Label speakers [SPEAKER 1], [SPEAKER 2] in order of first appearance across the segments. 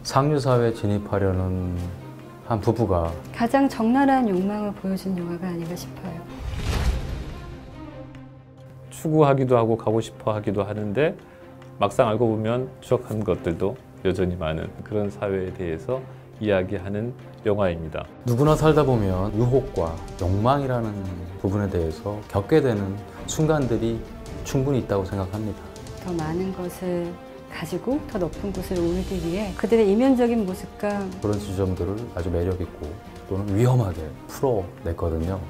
[SPEAKER 1] 상류사회에 진입하려는 한 부부가
[SPEAKER 2] 가장 적나라한 욕망을 보여준 영화가 아닌가 싶어요.
[SPEAKER 3] 추구하기도 하고 가고 싶어 하기도 하는데 막상 알고 보면 추억한 것들도 여전히 많은 그런 사회에 대해서 이야기하는 영화입니다.
[SPEAKER 1] 누구나 살다 보면 유혹과 욕망이라는 부분에 대해서 겪게 되는 순간들이 충분히 있다고 생각합니다.
[SPEAKER 2] 더 많은 것을 가지고 더 높은 곳을 오르기 위해 그들의 이면적인 모습과
[SPEAKER 1] 그런 지점들을 아주 매력있고 또는 위험하게 풀어냈거든요.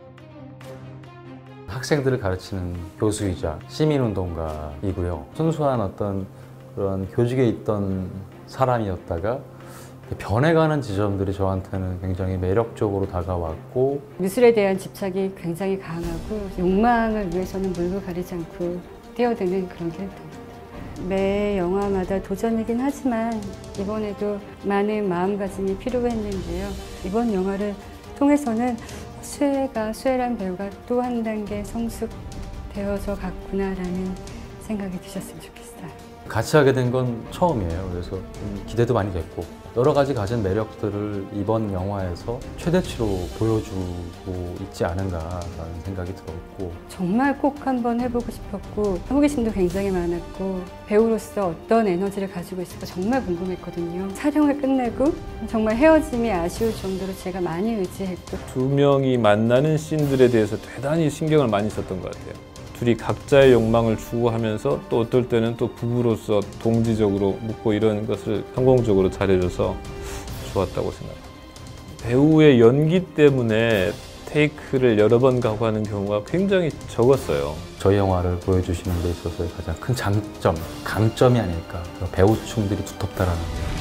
[SPEAKER 1] 학생들을 가르치는 교수이자 시민운동가이고요. 순수한 어떤 그런 교직에 있던 사람이었다가 변해가는 지점들이 저한테는 굉장히 매력적으로 다가왔고,
[SPEAKER 2] 미술에 대한 집착이 굉장히 강하고 욕망을 위해서는 물고 가리지 않고 뛰어드는 그런 캐릭터입니다. 매 영화마다 도전이긴 하지만 이번에도 많은 마음가짐이 필요했는데요. 이번 영화를 통해서는 수혜란 배우가 또 한 단계 성숙되어서 갔구나라는 생각이 드셨으면 좋겠어요.
[SPEAKER 1] 같이 하게 된 건 처음이에요. 그래서 좀 기대도 많이 됐고, 여러 가지 가진 매력들을 이번 영화에서 최대치로 보여주고 있지 않은가라는 생각이 들었고,
[SPEAKER 2] 정말 꼭 한번 해보고 싶었고 호기심도 굉장히 많았고 배우로서 어떤 에너지를 가지고 있을까 정말 궁금했거든요. 촬영을 끝내고 정말 헤어짐이 아쉬울 정도로 제가 많이 의지했고,
[SPEAKER 3] 두 명이 만나는 씬들에 대해서 대단히 신경을 많이 썼던 것 같아요. 둘이 각자의 욕망을 추구하면서 또 어떨 때는 또 부부로서 동지적으로 묻고 이런 것을 성공적으로 잘해줘서 좋았다고 생각합니다. 배우의 연기 때문에 테이크를 여러 번 가고 하는 경우가 굉장히 적었어요.
[SPEAKER 1] 저희 영화를 보여주시는 데 있어서의 가장 큰 장점, 강점이 아닐까. 배우층들이 두텁다라는 거.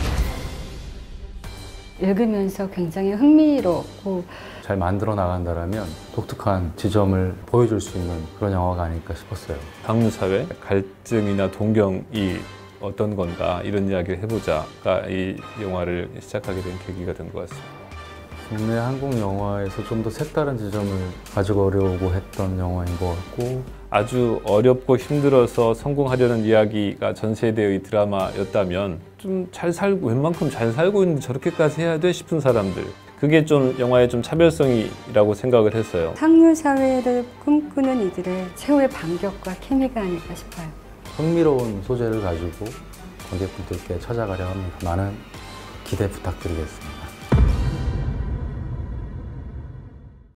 [SPEAKER 2] 읽으면서 굉장히 흥미롭고
[SPEAKER 1] 잘 만들어 나간다라면 독특한 지점을 보여줄 수 있는 그런 영화가 아닐까 싶었어요.
[SPEAKER 3] 상류사회 갈증이나 동경이 어떤 건가 이런 이야기를 해보자가 이 영화를 시작하게 된 계기가 된 것 같습니다.
[SPEAKER 1] 국내 한국 영화에서 좀 더 색다른 지점을 가져오려고 했던 영화인 것 같고,
[SPEAKER 3] 아주 어렵고 힘들어서 성공하려는 이야기가 전 세대의 드라마였다면 좀 잘 살고 웬만큼 잘 살고 있는데 저렇게까지 해야 돼 싶은 사람들, 그게 좀 영화의 좀 차별성이라고 생각을 했어요.
[SPEAKER 2] 상류 사회를 꿈꾸는 이들의 최후의 반격과 케미가 아닐까 싶어요.
[SPEAKER 1] 흥미로운 소재를 가지고 관객분들께 찾아가려 합니다. 많은 기대 부탁드리겠습니다.